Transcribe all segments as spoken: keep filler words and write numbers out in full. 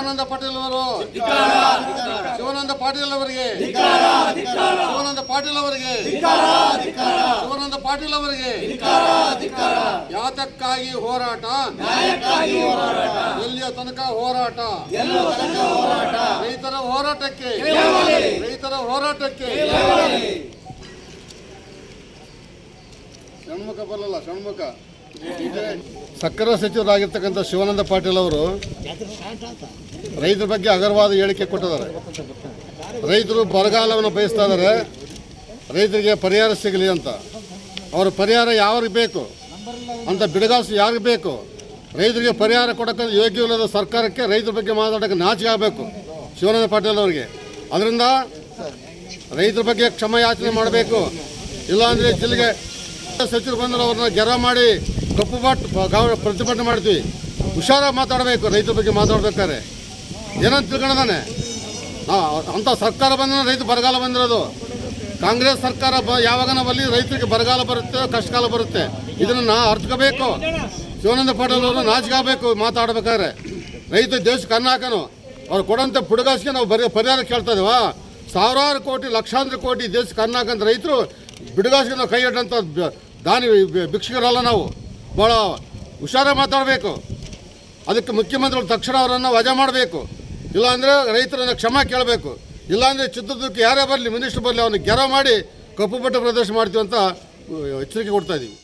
ಶಿವಾನಂದ ಪಾಟೀಲ್ ಅವರು ಶಿವಾನಂದ ಪಾಟೀಲ್ ಅವರಿಗೆ ಶಿವಾನಂದ ಪಾಟೀಲ್ ಅವರಿಗೆ ಶಿವಾನಂದ ಪಾಟೀಲ್ ಅವರಿಗೆ ಯಾತಕ್ಕಾಗಿ ಹೋರಾಟ, ಎಲ್ಲಿಯ ತನಕ ಹೋರಾಟ, ರೈತರ ಹೋರಾಟಕ್ಕೆ ರೈತರ ಹೋರಾಟಕ್ಕೆ ಷಣ್ಮುಖ ಬರಲ್ಲ ಷಣ್ಮುಖ ಸಕ್ಕರೆ ಸಚಿವರಾಗಿರ್ತಕ್ಕಂಥ ಶಿವಾನಂದ ಪಾಟೀಲ್ ಅವರು ರೈತರ ಬಗ್ಗೆ ಅಗರವಾದ ಹೇಳಿಕೆ ಕೊಟ್ಟಿದ್ದಾರೆ. ರೈತರು ಬರಗಾಲವನ್ನು ಬಯಸ್ತಾ ಇದ್ದಾರೆ, ರೈತರಿಗೆ ಪರಿಹಾರ ಸಿಗಲಿ ಅಂತ. ಅವರ ಪರಿಹಾರ ಯಾರಿಗೆ ಬೇಕು ಅಂತ ಬಿಡುಗಾಸು ಯಾರಿಗೆ ಬೇಕು? ರೈತರಿಗೆ ಪರಿಹಾರ ಕೊಡೋಕ್ಕೆ ಯೋಗ್ಯವಿಲ್ಲದ ಸರ್ಕಾರಕ್ಕೆ ರೈತರ ಬಗ್ಗೆ ಮಾತಾಡೋಕ್ಕೆ ನಾಚಿಕೆ ಆಗಬೇಕು ಶಿವಾನಂದ ಪಾಟೀಲ್ ಅವರಿಗೆ. ಅದರಿಂದ ರೈತರ ಬಗ್ಗೆ ಕ್ಷಮಯಾಚನೆ ಮಾಡಬೇಕು. ಇಲ್ಲಾಂದರೆ ಜಿಲ್ಲೆಗೆ ಸಚಿವರು ಬಂದರೆ ಅವ್ರನ್ನ ಗೆರ ಮಾಡಿ ಕಪ್ಪು ಬಾಟ್ ಪ್ರತಿಭಟನೆ ಮಾಡ್ತೀವಿ. ಹುಷಾರಾಗಿ ಮಾತಾಡಬೇಕು. ರೈತರ ಬಗ್ಗೆ ಮಾತಾಡ್ಬೇಕಾದ್ರೆ ಏನಂತ ತಿಳ್ಕೊಂಡಾನೆ ಅಂಥ ಸರ್ಕಾರ ಬಂದ ರೈತ ಬರಗಾಲ ಬಂದಿರೋದು. ಕಾಂಗ್ರೆಸ್ ಸರ್ಕಾರ ಬ ಯಾವಾಗ ನಾವಲ್ಲಿ ರೈತರಿಗೆ ಬರಗಾಲ ಬರುತ್ತೆ, ಕಷ್ಟಕಾಲ ಬರುತ್ತೆ. ಇದನ್ನು ಅರ್ಥಕೋಬೇಕು. ಶಿವಾನಂದ ಪಾಟೀಲ್ ಅವರು ನಾಚಿಕಾಗಬೇಕು ಮಾತಾಡಬೇಕಾದ್ರೆ. ರೈತ ದೇಶಕ್ಕೆ ಅನ್ನ ಹಾಕೋನು ಅವ್ರು ಕೊಡೋಂಥ ಪುಡುಗಾಸಿಗೆ ನಾವು ಬರೀ ಪರಿಹಾರ ಕೇಳ್ತಾ ಇದ್ದೀವ. ಸಾವಿರಾರು ಕೋಟಿ ಲಕ್ಷಾಂತರ ಕೋಟಿ ದೇಶಕ್ಕೆ ಅನ್ನ ಹಾಕಂತ ರೈತರು ಬಿಡುಗಾಸಿಗೆ ನಾವು ಕೈ ಇಟ್ಟಂಥ ದಾನಿ ಭಿಕ್ಷಕರಲ್ಲ. ನಾವು ಭಾಳ ಹುಷಾರಾಗಿ ಮಾತಾಡಬೇಕು. ಅದಕ್ಕೆ ಮುಖ್ಯಮಂತ್ರಿಗಳು ತಕ್ಷಣ ಅವರನ್ನು ವಜಾ ಮಾಡಬೇಕು. ಇಲ್ಲಾಂದರೆ ರೈತರನ್ನು ಕ್ಷಮೆ ಕೇಳಬೇಕು. ಇಲ್ಲಾಂದರೆ ಚಿತ್ರದುರ್ಗಕ್ಕೆ ಯಾರೇ ಬರಲಿ, ಮಿನಿಸ್ಟರ್ ಬರಲಿ, ಅವನಿಗೆ ಗೆರ ಮಾಡಿ ಕಪ್ಪು ಬಟ್ಟೆ ಪ್ರದರ್ಶನ ಮಾಡ್ತೀವಿ ಅಂತ ಎಚ್ಚರಿಕೆ ಕೊಡ್ತಾ ಇದ್ದೀವಿ.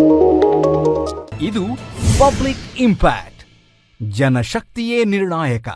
ಇದು ಪಬ್ಲಿಕ್ ಇಂಪ್ಯಾಕ್ಟ್. ಜನಶಕ್ತಿಯೇ ನಿರ್ಣಾಯಕ.